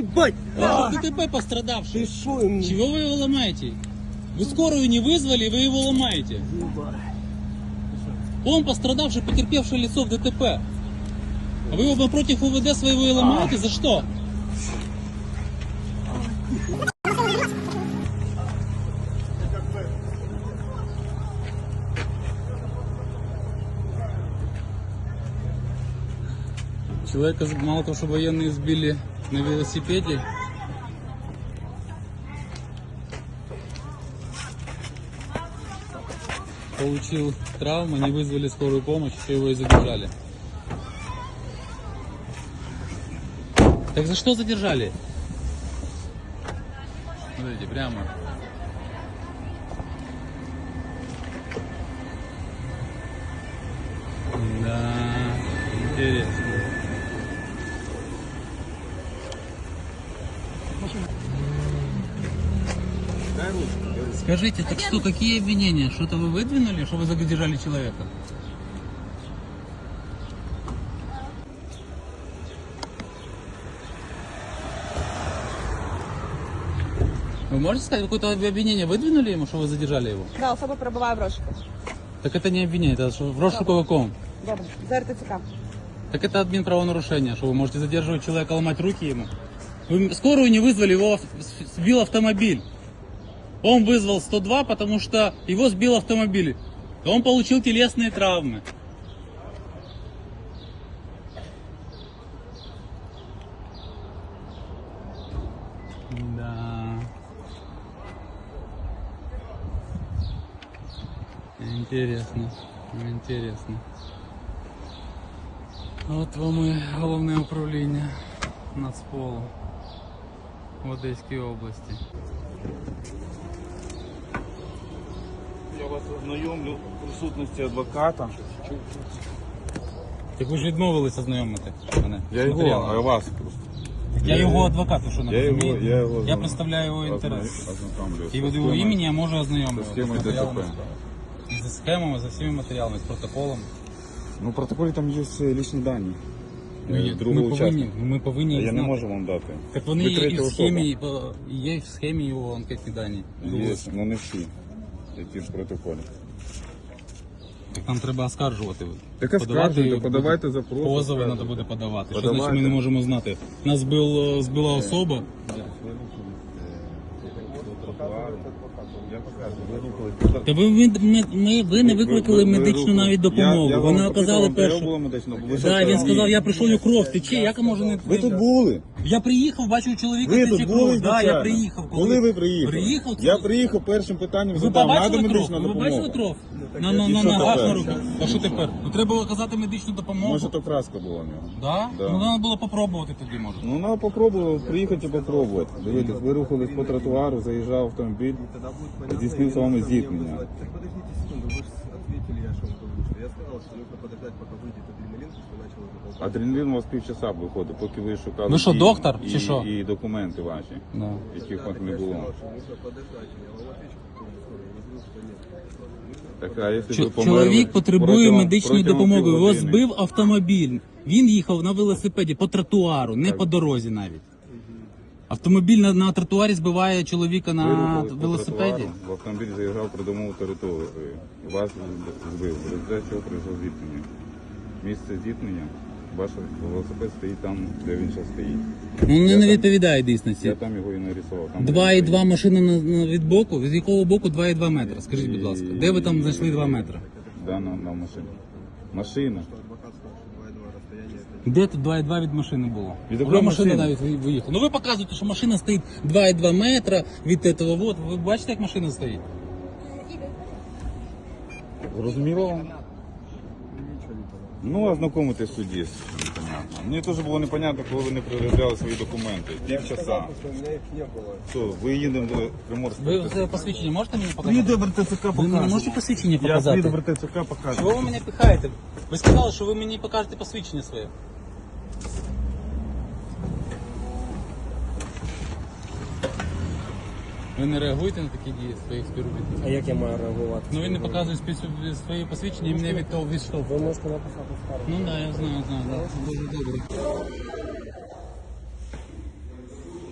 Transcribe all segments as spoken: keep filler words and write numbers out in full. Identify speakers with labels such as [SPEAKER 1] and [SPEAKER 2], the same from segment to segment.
[SPEAKER 1] ебать!
[SPEAKER 2] А, ДТП пострадавший.
[SPEAKER 1] Ты шо ему?
[SPEAKER 2] Чего вы его ломаете? Вы скорую не вызвали, вы его ломаете. Он пострадавший, потерпевшее лицо в ДТП. А вы его напротив УВД своего и ломаете? За что? Человека, мало того, что военные сбили на велосипеде, получил травму, не вызвали скорую помощь, еще его и задержали. Так за что задержали? Смотрите, прямо. Да, интересно. Скажите, так что, какие обвинения? Что-то вы выдвинули, что вы задержали человека? Вы можете сказать, какое-то обвинение выдвинули ему, что вы задержали его?
[SPEAKER 3] Да, особа перебуває в розшуку.
[SPEAKER 2] Так это не обвинение, это что, в розшуку каком?
[SPEAKER 3] Добре, за РТЦК.
[SPEAKER 2] Так это админправонарушение, что вы можете задерживать человека, ломать руки ему. Вы скорую не вызвали, его сбил автомобиль. Он вызвал сто два, потому что его сбил автомобиль. Он получил телесные травмы. Да. Интересно. Интересно. От вам і головне управління Нацполу в Одеській області.
[SPEAKER 4] Я вас ознайомлю в присутності адвоката.
[SPEAKER 2] Так ви ж відмовилися знайомити мене.
[SPEAKER 4] Я
[SPEAKER 2] з
[SPEAKER 4] його,
[SPEAKER 2] матеріалами.
[SPEAKER 4] а вас просто.
[SPEAKER 2] Я його адвокат, ви що не
[SPEAKER 4] Я його,
[SPEAKER 2] розумієте?
[SPEAKER 4] я його
[SPEAKER 2] Я представляю його інтерес.
[SPEAKER 4] ознакомлю.
[SPEAKER 2] І від його імені я можу ознайомити.
[SPEAKER 4] З схемою
[SPEAKER 2] з матеріалами
[SPEAKER 4] ДТП.
[SPEAKER 2] справи. І зі схемами, за всіма матеріалами, з протоколом.
[SPEAKER 4] Ну, в протоколі там є лічні дані.
[SPEAKER 2] Ну, є-
[SPEAKER 4] Другого
[SPEAKER 2] ми, повинні,
[SPEAKER 4] учасника.
[SPEAKER 2] ми повинні
[SPEAKER 4] А
[SPEAKER 2] їх
[SPEAKER 4] я не
[SPEAKER 2] знати.
[SPEAKER 4] можу вам дати.
[SPEAKER 2] Так вони
[SPEAKER 4] Ви
[SPEAKER 2] є і
[SPEAKER 4] третя
[SPEAKER 2] в
[SPEAKER 4] особа.
[SPEAKER 2] схемі, і по- є в схемі його анкетні дані.
[SPEAKER 4] Є, ну не всі, які в протоколі.
[SPEAKER 2] Так нам треба оскаржувати.
[SPEAKER 4] Так
[SPEAKER 2] Подавати
[SPEAKER 4] оскаржуйте,
[SPEAKER 2] буде-
[SPEAKER 4] подавайте запрос.
[SPEAKER 2] Позови
[SPEAKER 4] оскаржуйте.
[SPEAKER 2] треба буде подавати. Що
[SPEAKER 4] Подавайте.
[SPEAKER 2] значить ми не можемо знати? Нас збил, збила особа.
[SPEAKER 4] Я покажу.
[SPEAKER 2] Та ви, ви, ми, ми, ви не викликали медичну навіть допомогу.
[SPEAKER 4] Я- я
[SPEAKER 2] Вони
[SPEAKER 4] вам
[SPEAKER 2] оказали
[SPEAKER 4] запитував, де
[SPEAKER 2] першу.
[SPEAKER 4] було медичну, бо ви ще
[SPEAKER 2] Так, він
[SPEAKER 4] сказали,
[SPEAKER 2] сказав,
[SPEAKER 4] ні.
[SPEAKER 2] я прийшов, і кров тече, як може не...
[SPEAKER 4] Ви тут були?
[SPEAKER 2] Я приїхав, бачив чоловіка,
[SPEAKER 4] Ви
[SPEAKER 2] тече
[SPEAKER 4] тут
[SPEAKER 2] кров.
[SPEAKER 4] були
[SPEAKER 2] Так,
[SPEAKER 4] звичайно?
[SPEAKER 2] я приїхав.
[SPEAKER 4] Коли ви приїхали?
[SPEAKER 2] Приїхав?
[SPEAKER 4] Я приїхав першим питанням
[SPEAKER 2] Ви
[SPEAKER 4] задав. Надо
[SPEAKER 2] побачили кров?
[SPEAKER 4] медична
[SPEAKER 2] Ви
[SPEAKER 4] допомога.
[SPEAKER 2] бачили кров? На, на,
[SPEAKER 4] І
[SPEAKER 2] на
[SPEAKER 4] що
[SPEAKER 2] ногах,
[SPEAKER 4] тепер?
[SPEAKER 2] на руках. А що тепер? Ну, треба оказати медичну допомогу.
[SPEAKER 4] Може то краска була в нього.
[SPEAKER 2] Да?
[SPEAKER 4] Да.
[SPEAKER 2] Ну, треба було попробувати тоді, може.
[SPEAKER 4] Ну, треба попробувати, приїхати і попробувати. Дивіться, ви рухались по тротуару, заїжджав автомобіль, здійснив з вами зіткнення.
[SPEAKER 1] Так подождите секунду, вы же ответили, я что вам говорю, что я сказал, что нужно подождать, пока выйдет адреналин, что начал уже толкать.
[SPEAKER 4] Адреналін у вас півчаса виходить, поки ви шукали
[SPEAKER 2] Ви що,
[SPEAKER 4] і-
[SPEAKER 2] доктор,
[SPEAKER 4] і,
[SPEAKER 2] чи що?
[SPEAKER 4] і документи ваші,
[SPEAKER 2] Да.
[SPEAKER 4] яких от не
[SPEAKER 1] Я
[SPEAKER 4] було.
[SPEAKER 1] сказал, что нужно подождать, я вам отвечу по поводу скорой, я не знаю, что нет.
[SPEAKER 4] Так, а якщо
[SPEAKER 2] Чо-
[SPEAKER 4] ви померли
[SPEAKER 2] Чоловік потребує
[SPEAKER 4] протягом-
[SPEAKER 2] медичної
[SPEAKER 4] протягом
[SPEAKER 2] допомоги. Його
[SPEAKER 4] півгодини?
[SPEAKER 2] збив автомобіль. Він їхав на велосипеді по тротуару, не по дорозі навіть. Автомобіль на, на тротуарі збиває чоловіка
[SPEAKER 4] Ви
[SPEAKER 2] на
[SPEAKER 4] рухались по
[SPEAKER 2] велосипеді.
[SPEAKER 4] тротуару, в автомобіль заїжджав придомову територію. Вас збив. В результаті чого прийшло зіткнення. Місце зіткнення, ваш велосипед стоїть там, де він зараз стоїть.
[SPEAKER 2] Ну
[SPEAKER 4] Я
[SPEAKER 2] не, не
[SPEAKER 4] там-
[SPEAKER 2] відповідає
[SPEAKER 4] Я
[SPEAKER 2] дійсності.
[SPEAKER 4] там його і нарисував. Там, де
[SPEAKER 2] два
[SPEAKER 4] він
[SPEAKER 2] і два
[SPEAKER 4] стоїть.
[SPEAKER 2] машина на, на від боку. З якого боку два і два метри? Скажіть, будь ласка, де ви там знайшли два метри?
[SPEAKER 4] Да, на, на машині. Машина.
[SPEAKER 1] Адвокат сказал, что два и два расстояние это...
[SPEAKER 2] Де тут два і два від машини було?
[SPEAKER 4] Від
[SPEAKER 2] Вже
[SPEAKER 4] якої
[SPEAKER 2] машина
[SPEAKER 4] машини?
[SPEAKER 2] навіть ви- виїхала. Ну ви показуєте, що машина стоїть два і два метра від цього. Вот. Ви бачите, як машина стоїть?
[SPEAKER 4] Зрозуміло вам? Ну, ознакомитись в суді. Непонятно. Мені теж було непонятно, коли ви не переробляли свої документи. Півчаса.
[SPEAKER 1] Сказал, что у меня их не было.
[SPEAKER 4] Що, ви їдемо до Приморська?
[SPEAKER 2] Ви це посвідчення можете мені показати?
[SPEAKER 4] Приїду в РТЦК
[SPEAKER 2] Ви не можете посвідчення
[SPEAKER 4] Я
[SPEAKER 2] показати?
[SPEAKER 4] приїду в РТЦК покажу.
[SPEAKER 2] Чого ви мене пихаєте? Ви сказали, що ви мені покажете посвідчення своє. Ви не реагуєте на такі дії своїх співробітників?
[SPEAKER 1] А як я маю реагувати?
[SPEAKER 2] Ну він не показує спі- свої посвідчення і мене від того відштовхує.
[SPEAKER 1] Ви можете написати скаргу.
[SPEAKER 2] Ну так, да, я знаю, знаю, да. Дуже добре.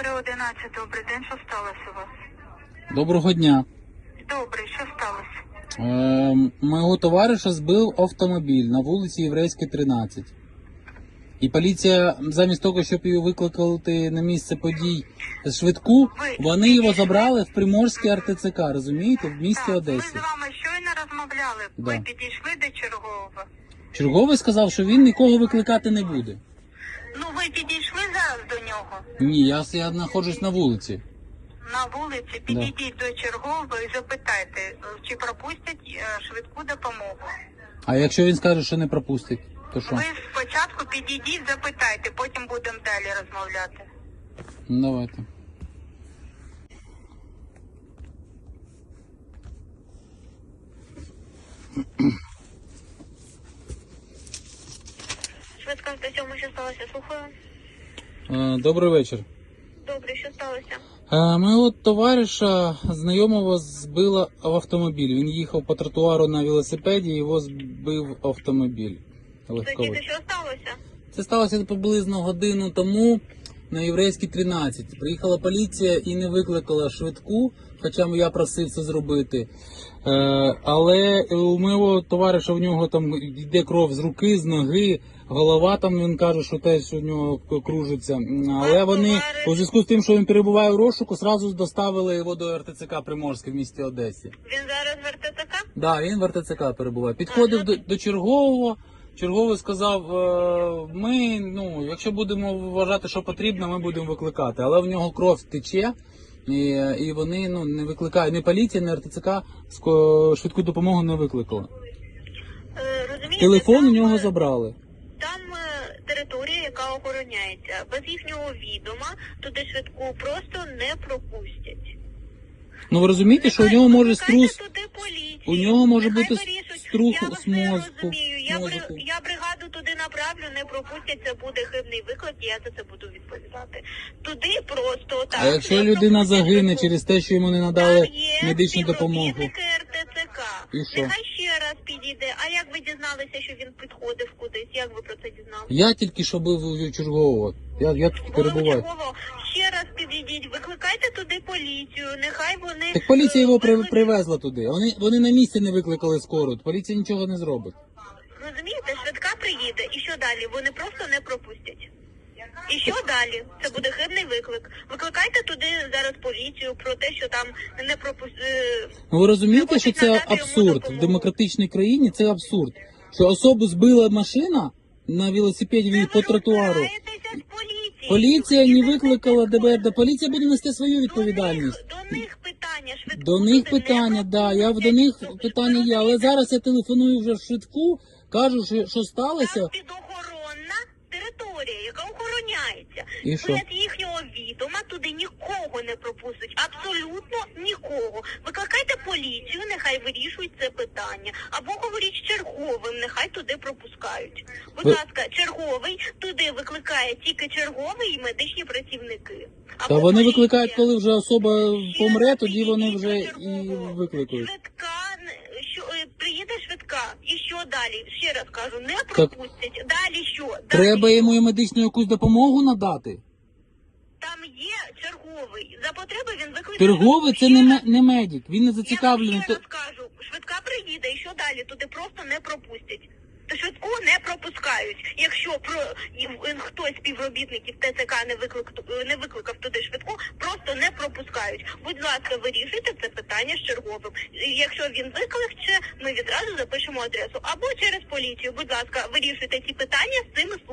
[SPEAKER 5] три одинадцять, добрий день, що сталося у вас?
[SPEAKER 2] Доброго дня.
[SPEAKER 5] Добре, що сталося?
[SPEAKER 2] Е, Моєго товариша збив автомобіль на вулиці Єврейській, тринадцять. І поліція, замість того, щоб його викликати на місце подій швидку, вони його забрали в Приморський ар те це ка, розумієте, в місті
[SPEAKER 5] Так,
[SPEAKER 2] Одесі.
[SPEAKER 5] ми з вами щойно розмовляли. Ви
[SPEAKER 2] Да.
[SPEAKER 5] підійшли до чергового.
[SPEAKER 2] Черговий сказав, що він нікого викликати не буде.
[SPEAKER 5] Ну, ви підійшли зараз до нього?
[SPEAKER 2] Ні, я, я знаходжусь на вулиці.
[SPEAKER 5] На вулиці підійдіть до чергового і запитайте, чи пропустять е, швидку допомогу.
[SPEAKER 2] А якщо він скаже, що не пропустить, то що?
[SPEAKER 5] Ви спочатку підійдіть, запитайте, потім будемо далі розмовляти.
[SPEAKER 2] Ну, давайте.
[SPEAKER 5] Швидка сто сьома, що сталося? Слухаю.
[SPEAKER 2] Е, Добрий вечір.
[SPEAKER 5] Добре, що сталося?
[SPEAKER 2] Е, Моєго товариша знайомого збило в автомобіль. Він їхав по тротуару на велосипеді, його збив автомобіль легковий.
[SPEAKER 5] Тоді що сталося?
[SPEAKER 2] Це сталося приблизно годину тому на Єврейській, тринадцять. Приїхала поліція і не викликала швидку, хоча я просив це зробити. Е, але у моєго товариша, в нього там йде кров з руки, з ноги, голова там, він каже, що теж у нього кружиться. Але вони, у зв'язку з тим, що він перебуває в розшуку, одразу доставили його до ар те це ка Приморське в місті Одесі.
[SPEAKER 5] Він зараз в ар те це ка?
[SPEAKER 2] Так, да, він в ар те це ка перебуває. Підходив до, до чергового. Черговий сказав, е, ми, ну, якщо будемо вважати, що потрібно, ми будемо викликати. Але в нього кров тече, і, і вони ну, не викликають, ні поліція, ні ар те це ка ско- швидку допомогу не викликала.
[SPEAKER 5] Е, розумієте,
[SPEAKER 2] Телефон у
[SPEAKER 5] там,
[SPEAKER 2] нього
[SPEAKER 5] е,
[SPEAKER 2] забрали.
[SPEAKER 5] Там е, територія, яка охороняється. Без їхнього відома туди швидку просто не пропустять.
[SPEAKER 2] Ну ви розумієте, що у нього може
[SPEAKER 5] Викликайте
[SPEAKER 2] струс,
[SPEAKER 5] туди поліцію.
[SPEAKER 2] у нього може
[SPEAKER 5] Нехай
[SPEAKER 2] бути
[SPEAKER 5] вирішують.
[SPEAKER 2] струх
[SPEAKER 5] Я вас
[SPEAKER 2] з
[SPEAKER 5] не
[SPEAKER 2] мозку,
[SPEAKER 5] розумію. Я, бри...
[SPEAKER 2] мозку.
[SPEAKER 5] я бригаду туди направлю, не пропустять, це буде хибний виклик, і я за це буду відповідати. Туди просто так.
[SPEAKER 2] А якщо
[SPEAKER 5] не
[SPEAKER 2] людина
[SPEAKER 5] пропустять
[SPEAKER 2] загине
[SPEAKER 5] швидку.
[SPEAKER 2] через те, що йому не надали
[SPEAKER 5] Там є
[SPEAKER 2] медичну допомогу?
[SPEAKER 5] співробітники ар те це ка.
[SPEAKER 2] І що?
[SPEAKER 5] Нехай ще раз підійде. А як ви дізналися, що він підходив кудись? Як ви про це дізналися?
[SPEAKER 2] Я тільки що був у чергового. Я, я тут перебуваю.
[SPEAKER 5] Голово, ще раз підійдіть, викликайте туди поліцію, нехай вони...
[SPEAKER 2] Так поліція його при,
[SPEAKER 5] виклик-
[SPEAKER 2] привезла туди. Вони, вони на місці не викликали скору. Поліція нічого не зробить.
[SPEAKER 5] Розумієте, швидка приїде, і що далі? Вони просто не пропустять. І що далі? Це буде хибний виклик. Викликайте туди зараз поліцію про те, що там не пропустили...
[SPEAKER 2] Ну ви розумієте, що це абсурд? В демократичній країні це абсурд. Що особу збила машина на велосипеді по тротуару. Поліція не викликала де бе ер де. Поліція буде нести свою відповідальність.
[SPEAKER 5] До них питання швидко.
[SPEAKER 2] До них питання, да, я до них питання є. Але зараз я телефоную вже в швидку, кажу, що, що сталося.
[SPEAKER 5] Там підохоронна територія, яка охороняється.
[SPEAKER 2] І що?
[SPEAKER 5] Без їхнього відома туди нікого не пропустять. Абсолютно нікого. Викликайте поліцію, нехай вирішують це питання. Або говоріть з черговим, нехай туди пропускають. Будь
[SPEAKER 2] Ви-
[SPEAKER 5] ласка, черговий туди викликає тільки черговий і медичні працівники.
[SPEAKER 2] Та
[SPEAKER 5] Або
[SPEAKER 2] вони
[SPEAKER 5] поліція.
[SPEAKER 2] викликають, коли вже особа
[SPEAKER 5] Ще
[SPEAKER 2] помре,
[SPEAKER 5] раз
[SPEAKER 2] тоді вони
[SPEAKER 5] підійдіть
[SPEAKER 2] вже
[SPEAKER 5] до
[SPEAKER 2] і
[SPEAKER 5] чергового.
[SPEAKER 2] викликають.
[SPEAKER 5] Швидка, не- що, е, приїде швидка, і що далі? Ще раз кажу, не
[SPEAKER 2] Так.
[SPEAKER 5] пропустять. Далі що? Далі
[SPEAKER 2] Треба
[SPEAKER 5] що?
[SPEAKER 2] йому і медичну якусь допомогу надати.
[SPEAKER 5] Там є черговий. За потреби він викликає.
[SPEAKER 2] Черговий це не, ме- не медик, він не зацікавлений.
[SPEAKER 5] Я вам ще
[SPEAKER 2] То-
[SPEAKER 5] раз кажу, швидка приїде, і що далі? Туди просто не пропустять. То швидку не пропускають. Якщо про і- хтось з співробітників те це ка не виклик не викликав туди швидку, просто не пропускають. Будь ласка, вирішуйте це питання з черговим. І якщо він викликче, ми відразу запишемо адресу або через поліцію. Будь ласка, вирішуйте ці питання з цими